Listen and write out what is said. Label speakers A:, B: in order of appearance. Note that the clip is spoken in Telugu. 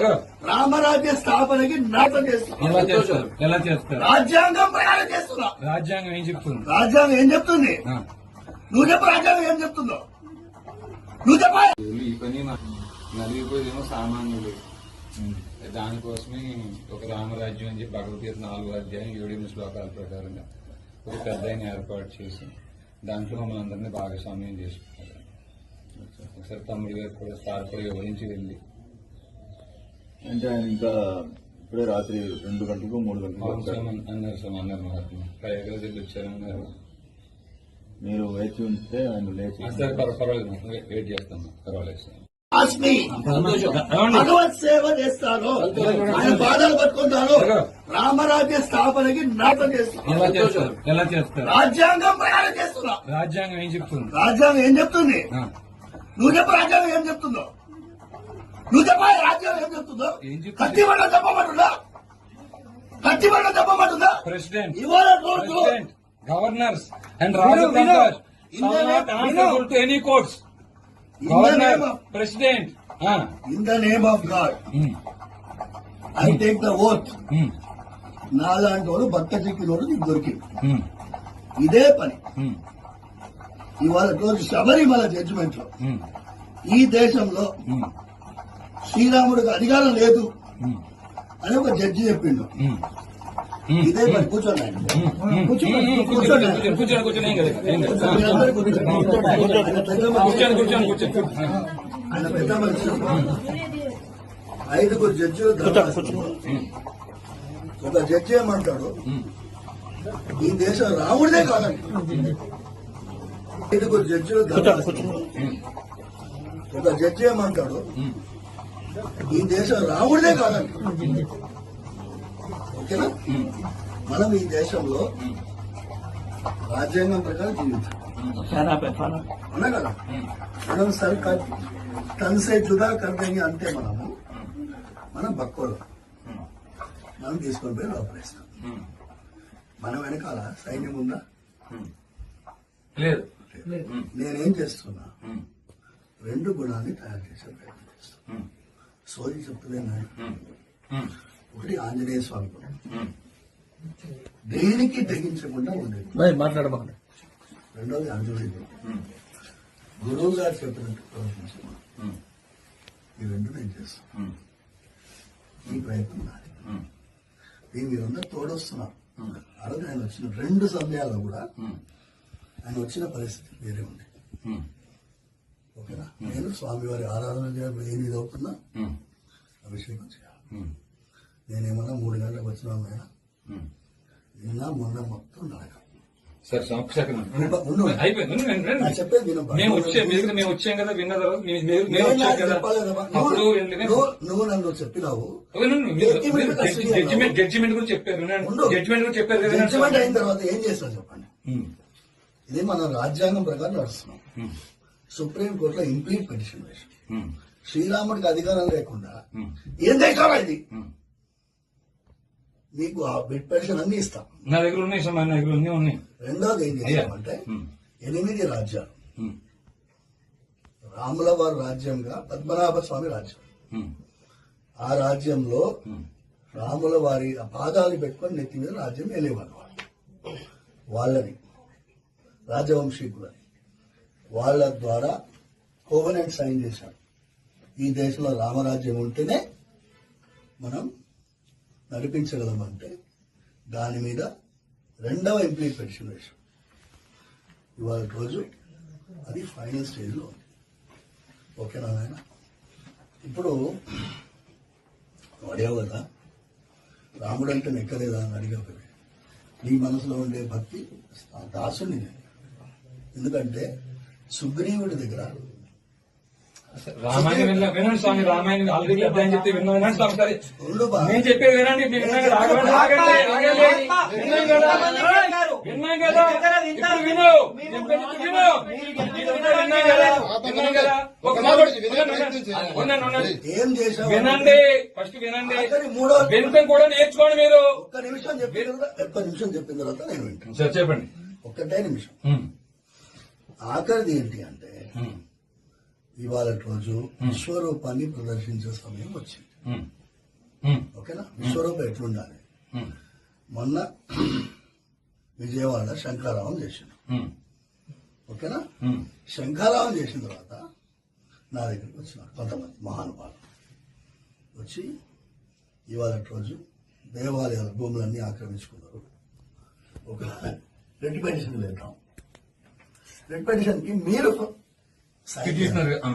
A: రామరాజ్య స్థాపనకి నాటం చేస్తున్నా. రాజ్యాంగం ప్రయాణం చేస్తున్నా.
B: రాజ్యాంగం ఏం చెప్తుంది?
A: రాజ్యాంగం ఏం చెప్తుంది? నువ్వు చెప్పు. రాజ్యాంగం ఏం చెప్తుందో నువ్వు చెప్పా.
B: ఈ పని నలిగిపోయేదేమో సామాన్యులు. దానికోసమే ఒక రామరాజ్యం అని చెప్పి భగవద్గీత 4వ అధ్యాయం 7 శ్లోకాల ప్రకారంగా ఒక పెద్ద ఏర్పాటు చేసి దాంట్లో మమ్మల్ని అందరినీ భాగస్వామ్యం చేసుకుంటారు. ఒకసారి తమ్ముడు గారు కూడా స్థాపడి వివరించి వెళ్ళి
C: అంటే ఆయన ఇంకా ఇప్పుడే రాత్రి 2 గంటలకు 3 గంటలకు
B: అన్నారు మహాత్మ పైగా వచ్చారన్నారు.
C: మీరు వేచి ఉంటే ఆయన లేచి
B: పర్వాలేదు వెయిట్ చేస్తాను. పర్వాలేదు
A: భగవత్ సేవ చేస్తాను. ఆయన పాదాలు పట్టుకుంటాను. రామరాజ్య స్థాపనకి నాటం చేస్తున్నా.
B: ఎలా చేస్తారు?
A: రాజ్యాంగం ప్రయాణం చేస్తున్నా.
B: రాజ్యాంగం ఏం చెప్తుంది?
A: రాజ్యాంగం ఏం చెప్తుంది? నువ్వు చెప్పు. రాజ్యాంగం ఏం చెప్తుందో నువ్వు చెప్పా. రాజ్యాంగం ఏం చెప్తుందో కత్తి బండ చెప్పమంటుందా? కత్తి బండ చెప్పమంటుందా?
B: ప్రెసిడెంట్,
A: ఇవాళ
B: గవర్నర్స్ అండ్ రాజధాని to any courts. Governor, President.
A: In the name of God, I take the oath. నాలాంటి వాడు భర్త చిక్కినోడు నీకు దొరికింది. ఇదే పని ఇవాళ రోజు శబరిమల జడ్జిమెంట్ లో ఈ దేశంలో శ్రీరాముడికి అధికారం లేదు అని ఒక జడ్జి చెప్పిండు. ఇదే పని. కూర్చోండి ఆయన పెద్ద మనిషి. 5 జడ్జిలు. ఒక జడ్జి ఏమంటాడు, ఈ దేశం రాముడిదే కాదండి. 5 జడ్జిలు. ఒక జడ్జి ఏమంటాడు, ఈ దేశం రాముడిదే కాదండి. ఓకేనా? మనం ఈ దేశంలో రాజ్యాంగం ప్రకారం జీవించాలి. అవునా కదా? మనం సర్కార్ తనసే జుదా కర్దేంగి అంతే. మనం బక్కోలు మనం తీసుకొని పోయి లోపలేస్తాం. మనం వెనకాల సైన్యం ఉందా?
B: లేదు.
A: నేనేం చేస్తున్నా, 2 గుణాన్ని తయారు చేసే ప్రయత్నం చేస్తున్నా. సోది చెప్తున్నా. ఒకటి ఆంజనేయ స్వామి గుణం, దేనికి తెగించకుండా ఉండేది.
C: మాట్లాడబాకండి.
A: రెండోది అంజలి గుణం, గురువు గారు చెప్పినట్టు ప్రవర్తించడం. ఈ 2 నేను చేస్తాను. ఈ ప్రయత్నం నాది. దీని మీరందరూ తోడొస్తున్నారు. ఆ రోజు ఆయన వచ్చిన 2 సమయాల్లో కూడా ఆయన వచ్చిన పరిస్థితి వేరే ఉంది. ఓకేనా? నేను స్వామివారి ఆరాధన చేయాలి. ఏమి అవుతున్నా అభిషేకం చేయాలి. నేనేమన్నా 3 గంటలకు వచ్చినా నిన్న మొన్న మొత్తం నడక.
B: సార్
A: చెప్పేది
B: మేము వచ్చాం కదా, విన్న
A: నువ్వు నన్ను చెప్పినావు.
B: జడ్జిమెంట్ గురించి చెప్పారు. జడ్జిమెంట్ గురించి చెప్పారు కదా.
A: జడ్జిమెంట్ అయిన తర్వాత ఏం చేస్తాను చెప్పండి. ఇది మనం రాజ్యాంగం ప్రకారం నడుస్తున్నాం. సుప్రీంకోర్టులో ఇంప్లీట్ పిటిషన్ వేసాం. శ్రీరాముడికి అధికారం లేకుండా ఏం దేశాలా ఇది? మీకు ఆ బిడ్ పెన్షన్ అన్ని ఇస్తాం.
B: నా దగ్గర ఉన్నాయి.
A: రెండోది ఏం చేస్తామంటే 8 రాజ్యాలు. రాముల వారి రాజ్యంగా పద్మనాభ స్వామి రాజ్యం. ఆ రాజ్యంలో రాముల వారి పాదాలు పెట్టుకొని నెత్తి మీద రాజ్యం వెళ్ళేవారు. వాళ్ళని రాజవంశీకులని వాళ్ళ ద్వారా కోవెనెంట్ సైన్ చేశారు. ఈ దేశంలో రామరాజ్యం ఉంటేనే మనం నడిపించగలమంటే దాని మీద 2వ ఇంప్లీట్ పిటిషన్ వేశాం. ఇవాళ రోజు అది ఫైనల్ స్టేజ్లో ఉంది. ఓకేనా నాయన? ఇప్పుడు అడిగావు కదా, రాముడు అంటే నెక్కలేదా అని అడిగావు కదా. నీ మనసులో ఉండే భక్తి దాసుని నేను. ఎందుకంటే సుగ్రీవుడి దగ్గర
B: రామాయణం వినండి స్వామి. రామాయణం ఆల్రెడీ అధ్యాయం చెప్తే విన్నాను స్వామి. సరే నేను చెప్పేది వినండి. విన్నాం కదా, ఇప్పుడు విను. వినండి. ఫస్ట్ వినండి. వినటం కూడా నేర్చుకోండి మీరు.
A: ఒక్క నిమిషం చెప్పిన తర్వాత నేను వింటాను.
B: సార్ చెప్పండి.
A: ఒక్కటే నిమిషం. ఆఖరిది ఏంటి అంటే ఇవాళ రోజు విశ్వరూపాన్ని ప్రదర్శించే సమయం వచ్చింది.
B: ఉమ్, ఉమ్,
A: ఓకేనా? విశ్వరూపం ఎట్లుండాలి?
B: ఉమ్,
A: మొన్న విజయవాడ శంఖారావం చేసిండు.
B: ఉమ్,
A: ఓకేనా?
B: ఉమ్,
A: శంఖారావం చేసిన తర్వాత నా దగ్గరికి వచ్చినారు కొంతమంది మహానుభావులు. వచ్చి ఇవాళ రోజు దేవాలయాల భూములన్నీ ఆక్రమించుకున్నారు. ఒక రెడ్ పెటిషన్ వెళ్తాం. రెడ్ పెటిషన్కి మీరు సాయం చేయాలి.
B: పిటిషనర్